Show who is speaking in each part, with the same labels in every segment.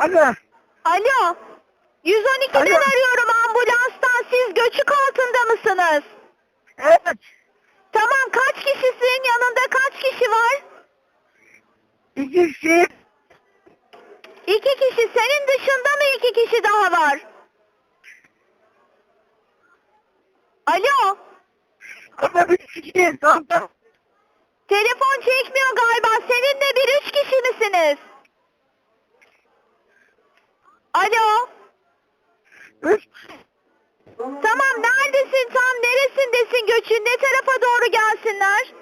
Speaker 1: Alo.
Speaker 2: Alo. 112'den
Speaker 1: Alo.
Speaker 2: arıyorum, ambulanstan. Siz göçük altında mısınız?
Speaker 1: Evet.
Speaker 2: Tamam, kaç kişisin? Yanında kaç kişi var?
Speaker 1: 2 kişi.
Speaker 2: 2 kişi. Senin dışında mı 2 kişi daha var? Alo.
Speaker 1: Ama 3 kişi. Tamam.
Speaker 2: Telefon çekmiyor galiba. Seninle bir 3 kişi misiniz? Alo.
Speaker 1: 3.
Speaker 2: Tamam, neredesin? Tam neresindesin göçün? Ne tarafa doğru gelsinler?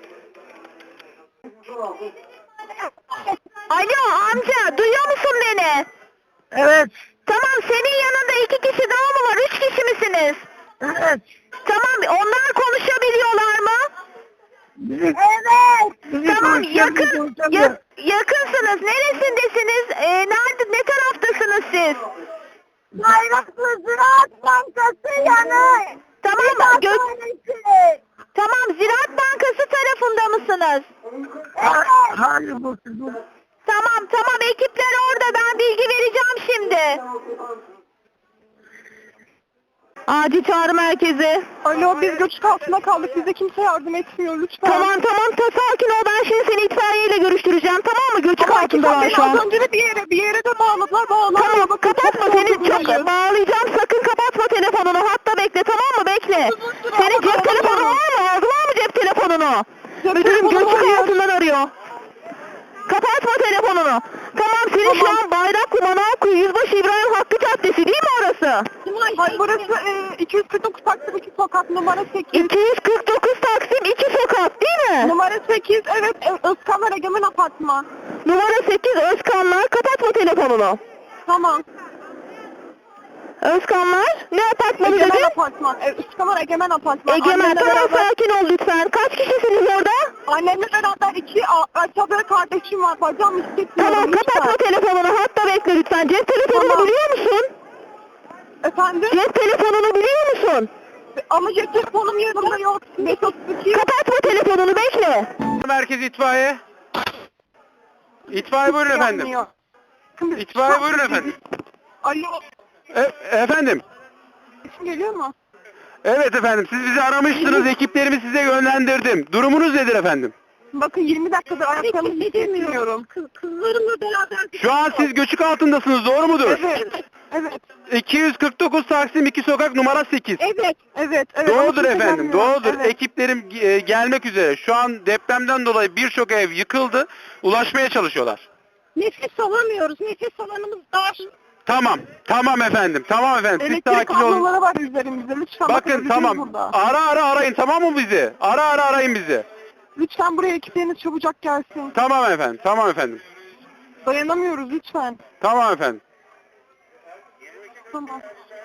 Speaker 2: Alo amca, duyuyor musun beni?
Speaker 1: Evet.
Speaker 2: Tamam, senin yanında 2 kişi daha mı var? 3 kişi misiniz?
Speaker 1: Evet.
Speaker 2: Tamam, onlar konuşabiliyorlar mı?
Speaker 1: Evet.
Speaker 2: Tamam, yakınsınız. Neresindesiniz? Nerede, ne taraftasınız siz?
Speaker 1: Bayraklı Ziraat Bankası yanı.
Speaker 2: Tamam, tamam, Ziraat Bankası tarafında mısınız?
Speaker 1: Evet. Hayır bu.
Speaker 2: Tamam, tamam, ekipler orada. Ben bilgi vereceğim şimdi. Acil çağrı merkezi.
Speaker 3: Alo, biz göçük altında kaldık. Bize kimse yardım etmiyor lütfen.
Speaker 2: Tamam, sakin ol. Ben şimdi seni itfaiyeyle görüştüreceğim. Tamam mı? Göçük
Speaker 3: Ama
Speaker 2: altındalar
Speaker 3: beni
Speaker 2: şu an.
Speaker 3: az önce de bir yere de bağladılar.
Speaker 2: Tamam,
Speaker 3: Bakın,
Speaker 2: kapatma,
Speaker 3: çok
Speaker 2: seni çok
Speaker 3: korkutucu.
Speaker 2: bağlayacağım. Sakın kapatma telefonunu. Hatta bekle, tamam mı? Bekle.
Speaker 3: Uzun süre
Speaker 2: Senin
Speaker 3: ama
Speaker 2: cep telefonun
Speaker 3: bağlamıyorum.
Speaker 2: var mı? Aldılar mı cep telefonunu?
Speaker 3: Cep
Speaker 2: Müdürüm
Speaker 3: telefonum
Speaker 2: göçük
Speaker 3: hayır.
Speaker 2: altından arıyor. Kapatma telefonunu. Tamam, senin şu
Speaker 3: Tamam.
Speaker 2: an Bayraklı Manavkuyu Yüzbaşı İbrahim Hakkı Caddesi değil mi orası?
Speaker 3: Hayır, burası 249 Taksim 2 sokak numara 8.
Speaker 2: 249 Taksim 2 sokak değil mi?
Speaker 3: Numara 8, evet, Özkanlar Egemen Apartman.
Speaker 2: Numara 8 Özkanlar. Kapatma telefonunu.
Speaker 3: Tamam.
Speaker 2: Özkanlar. Ne apartmanı
Speaker 3: Egemen
Speaker 2: dedin?
Speaker 3: Apartman. Özkanlar Egemen Apartman.
Speaker 2: Egemen.
Speaker 3: Annemle
Speaker 2: Tamam,
Speaker 3: beraber,
Speaker 2: sakin ol lütfen. Kaç kişisiniz orada?
Speaker 3: annemle beraber 2 aşağıda kardeşim var. Bacağım hissetmiyorum
Speaker 2: Tamam, kapatma
Speaker 3: lütfen.
Speaker 2: telefonunu. Hatta bekle lütfen. Cep telefonunu
Speaker 3: Tamam.
Speaker 2: biliyor musun?
Speaker 3: Efendim?
Speaker 2: Cep telefonunu biliyor musun?
Speaker 3: Ama cep telefonum yanımda yok. 532.
Speaker 2: Kapatma telefonunu, bekle.
Speaker 4: Merkez itfaiye. İtfaiye buyurun efendim.
Speaker 3: Yanmıyor.
Speaker 4: İtfaiye buyurun efendim.
Speaker 3: Alo.
Speaker 4: Efendim.
Speaker 3: Sesim geliyor mu?
Speaker 4: Evet efendim, siz bizi aramıştınız, ekiplerimi size yönlendirdim. Durumunuz nedir efendim?
Speaker 3: Bakın 20 dakikadır ayaklarımı hissetmiyorum. Kızlarımla beraber.
Speaker 4: Şu an siz göçük altındasınız, doğru mudur?
Speaker 3: Evet. Evet.
Speaker 4: 249 Taksim 2 sokak numara 8.
Speaker 3: Evet. Evet.
Speaker 4: Doğrudur
Speaker 3: Ama
Speaker 4: efendim,
Speaker 3: kimse
Speaker 4: doğrudur.
Speaker 3: gelmiyor. Evet.
Speaker 4: Ekiplerim gelmek üzere. Şu an depremden dolayı birçok ev yıkıldı. Ulaşmaya çalışıyorlar.
Speaker 3: Nefes alamıyoruz. Nefes alanımız dar.
Speaker 4: Tamam efendim, tamam efendim. Siz
Speaker 3: Elektrik
Speaker 4: sakin olun.
Speaker 3: kabloları var üzerimizde. Lütfen
Speaker 4: Bakın
Speaker 3: öleceğiz
Speaker 4: tamam.
Speaker 3: burada.
Speaker 4: Ara arayın, tamam mı bizi? Ara arayın bizi.
Speaker 3: Lütfen buraya ekipleriniz çabucak gelsin.
Speaker 4: Tamam efendim.
Speaker 3: Dayanamıyoruz lütfen.
Speaker 4: Tamam efendim.
Speaker 3: Tamam.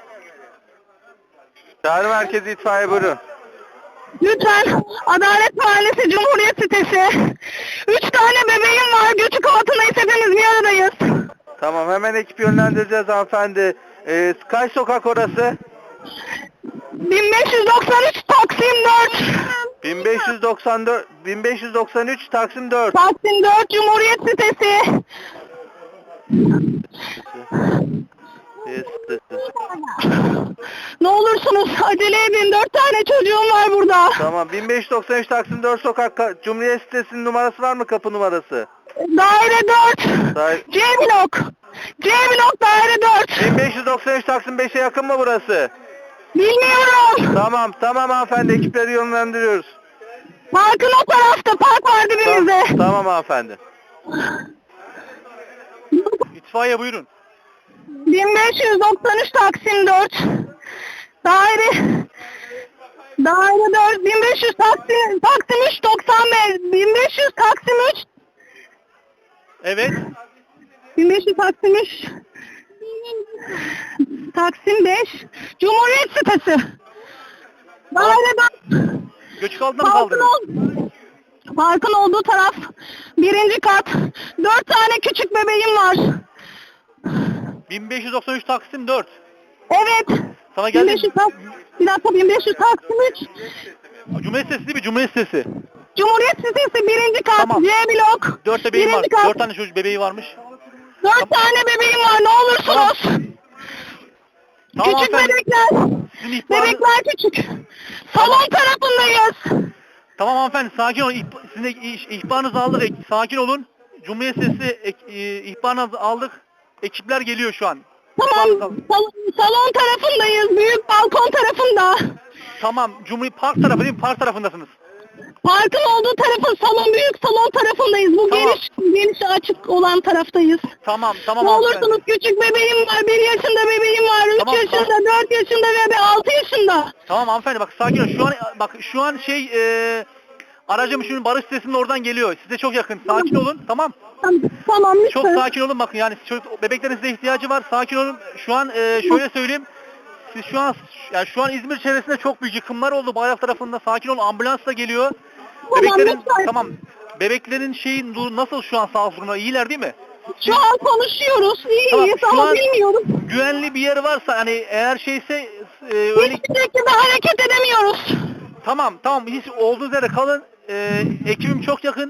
Speaker 4: Çağrı merkezi itfaiye buyurun.
Speaker 3: Lütfen Adalet Mahallesi Cumhuriyet sitesi. 3 tane bebeğim var. Göçük altındayız. Hepimiz bir aradayız.
Speaker 4: Tamam, hemen ekip yönlendireceğiz hanımefendi. Kaç sokak orası?
Speaker 3: 1593 Taksim 4.
Speaker 4: 1593 Taksim 4.
Speaker 3: Taksim 4 Cumhuriyet sitesi. Ne olursunuz acele edin. 4 tane çocuğum var burada.
Speaker 4: Tamam, 1593 Taksim 4 sokak Cumhuriyet sitesinin numarası var mı, kapı numarası?
Speaker 3: Daire 4. C blok. C blok daire 4.
Speaker 4: 1593 Taksim 5'e yakın mı burası?
Speaker 3: Bilmiyorum.
Speaker 4: Tamam hanımefendi, ekipleri yönlendiriyoruz.
Speaker 3: Parkın o tarafta. Park var dibimizde.
Speaker 4: Tamam hanımefendi. İtfaiye buyurun.
Speaker 3: 1593 Taksim 4. Daire 4 1500 Taksim 3 95 1500 Taksim 3
Speaker 4: Evet.
Speaker 3: 1500 Taksim 3 Taksim 5 Cumhuriyet sitesi. Daire 4.
Speaker 4: Göçük altında
Speaker 3: Parkın olduğu taraf birinci kat. 4 tane küçük bebeğim var.
Speaker 4: 1593 Taksim 4.
Speaker 3: Evet.
Speaker 4: Sana
Speaker 3: 1500 bir dakika 1500 Taksim 3.
Speaker 4: Cumhuriyet sitesi değil mi? Cumhuriyet sitesi.
Speaker 3: Cumhuriyet sitesi birinci kat.
Speaker 4: Tamam.
Speaker 3: C blok.
Speaker 4: 4 bebeğim var.
Speaker 3: Birinci kat.
Speaker 4: 4 tane çocuk bebeği varmış.
Speaker 3: 4 tane bebeğim var, ne olursunuz.
Speaker 5: Tamam
Speaker 3: Küçük
Speaker 5: hanımefendi.
Speaker 3: bebekler.
Speaker 5: Sizin ihbarınız...
Speaker 3: Bebekler küçük. Salon tarafındayız.
Speaker 5: Tamam hanımefendi, sakin olun. Sizin de ihbarınızı aldık. Sakin olun. Cumhuriyet Sesi ihbarınızı aldık. Ekipler geliyor şu an.
Speaker 3: Tamam, salon tarafındayız. Büyük balkon tarafında.
Speaker 5: Tamam. Cumhuriyet Park tarafı değil mi? Park tarafındasınız.
Speaker 3: Parkın olduğu tarafın büyük salon tarafındayız. Bu
Speaker 5: Tamam.
Speaker 3: geniş açık olan taraftayız.
Speaker 5: Tamam
Speaker 3: Ne
Speaker 5: hanımefendi.
Speaker 3: olursunuz, küçük bebeğim var. 1 yaşında bebeğim var. 3
Speaker 5: Tamam,
Speaker 3: yaşında, 4 yaşında ve 6 yaşında.
Speaker 5: Tamam hanımefendi, bak sakin olun. Şu an aracım şimdi Barış Sitesi'nin oradan geliyor. Size çok yakın. Sakin olun. Tamam.
Speaker 3: Tamam lütfen.
Speaker 5: Çok sakin olun, bakın yani bebeklerin size ihtiyacı var. Sakin olun. Şu an şöyle söyleyeyim. Siz şu an İzmir çevresinde çok büyük yıkımlar oldu Bayrak tarafında. Sakin olun. Ambulans da geliyor. Bebeklerin
Speaker 3: lütfen.
Speaker 5: tamam. Bebeklerin nasıl şu an sağlık durumu? İyiler değil mi?
Speaker 3: Şu an konuşuyoruz.
Speaker 5: Tamam,
Speaker 3: İyiyiz
Speaker 5: şu
Speaker 3: ama
Speaker 5: an-
Speaker 3: bilmiyorum.
Speaker 5: Güvenli bir yer varsa hani eğer öyle
Speaker 3: Hiçbir şekilde hareket edemiyoruz.
Speaker 5: tamam hiç olduğunuz yere kalın. Ekibim çok yakın.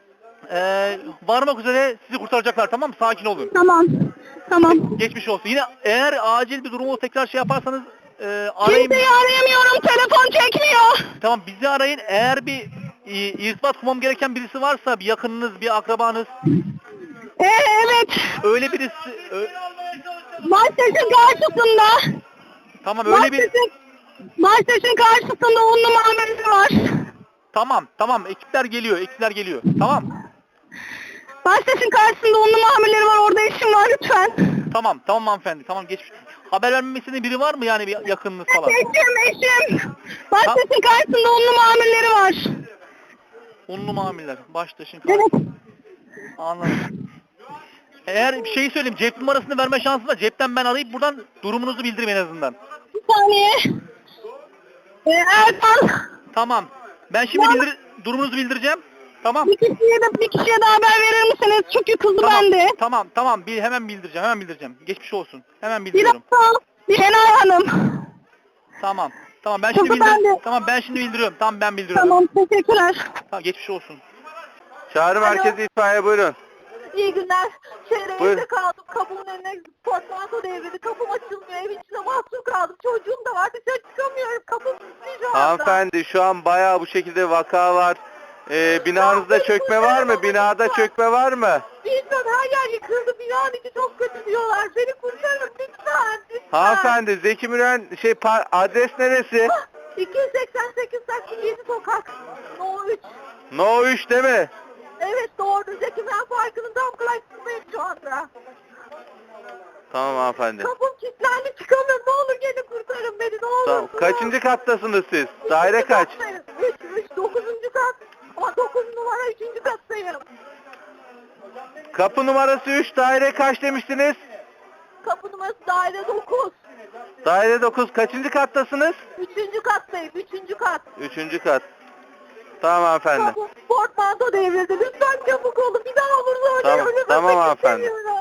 Speaker 5: Varmak üzere sizi kurtaracaklar, tamam mı? Sakin olun.
Speaker 3: Tamam.
Speaker 5: Geçmiş olsun. Yine eğer acil bir durumu tekrar yaparsanız arayın.
Speaker 3: Kimseyi arayamıyorum. Telefon çekmiyor.
Speaker 5: Tamam, bizi arayın. Eğer bir irtibat kurmam gereken birisi varsa, bir yakınınız, bir akrabanız,
Speaker 3: Evet.
Speaker 5: öyle birisi
Speaker 3: Baştaşın karşısında.
Speaker 5: tamam öyle bir
Speaker 3: Baştaşın karşısında 10 numaralı var.
Speaker 5: tamam ekipler geliyor. Tamam.
Speaker 3: Baştaşın karşısında 10 numaraları var. Orada işim var lütfen.
Speaker 5: Tamam hanımefendi. Tamam, geçmiş. Haber vermemi istediğin biri var mı, yani bir yakınınız falan?
Speaker 3: Eşim. Baştaşın karşısında 10 numaraları var.
Speaker 5: Unlu mamiller. Baştaşın.
Speaker 3: Evet.
Speaker 5: Anladım. Eğer bir şey söyleyeyim, cep numarasını verme şansı var. Cepten ben arayıp buradan durumunuzu bildireyim en azından.
Speaker 3: Bir saniye. Ertan.
Speaker 5: Tamam. Ben şimdi durumunuzu bildireceğim. Tamam.
Speaker 3: Bir kişiye de haber verir misiniz? Çünkü kızı bende.
Speaker 5: Tamam. Hemen bildireceğim. Geçmiş olsun. Hemen
Speaker 3: Bir
Speaker 5: bildiriyorum.
Speaker 3: dakika. Şenay Hanım.
Speaker 5: Tamam. Ben şimdi
Speaker 3: Kızı bende.
Speaker 5: ben şimdi bildiriyorum. Tamam, ben bildiriyorum.
Speaker 3: Tamam, teşekkürler.
Speaker 5: Tamam, geçmiş olsun.
Speaker 4: Çağrı merkezi itfaiye, buyurun.
Speaker 1: İyi günler.
Speaker 4: Buyurun.
Speaker 1: Evde kaldım. Kapımın önüne portmanto devrildi. Kapım açılmıyor. Evin içinde mahsur kaldım. Çocuğum da var. Dışarı çıkamıyorum. Kapım kilitli şu anda.
Speaker 4: Hanımefendi, şu an bayağı bu şekilde vaka var. Binanızda çökme var mı? Binada çökme var mı?
Speaker 1: Bilmiyorum, her yer yıkıldı. Binanın içi çok kötü diyorlar. Beni kurtarın lütfen.
Speaker 4: Hanımefendi, Zeki Müren adres neresi?
Speaker 1: 288 Taksim 7 sokak. No 3.
Speaker 4: No 3 değil mi?
Speaker 1: Evet, doğru. Zeki Müren Parkı'nın tam karşısındayım şu anda.
Speaker 4: Tamam hanımefendi.
Speaker 1: Kapım kilitlendi, çıkamıyorum. Ne olur gelin kurtarın beni, ne olur.
Speaker 4: Tamam. Kaçıncı kattasınız siz? Daire kaç?
Speaker 1: 9. kat. Ama 9 numara 3. kattayım.
Speaker 4: Kapı numarası 3, daire kaç demiştiniz?
Speaker 1: Kapı numarası daire 9.
Speaker 4: Daire 9. Kaçıncı kattasınız?
Speaker 1: 3. kattayım, 3. kat.
Speaker 4: 3. kat. Tamam hanımefendi.
Speaker 1: Kapım portmanto devrildi. Lütfen çabuk olun. Bir daha olursa öyle
Speaker 4: Tamam,
Speaker 1: ölüm
Speaker 4: tamam
Speaker 1: ölmek
Speaker 4: hanımefendi.
Speaker 1: istemiyorum.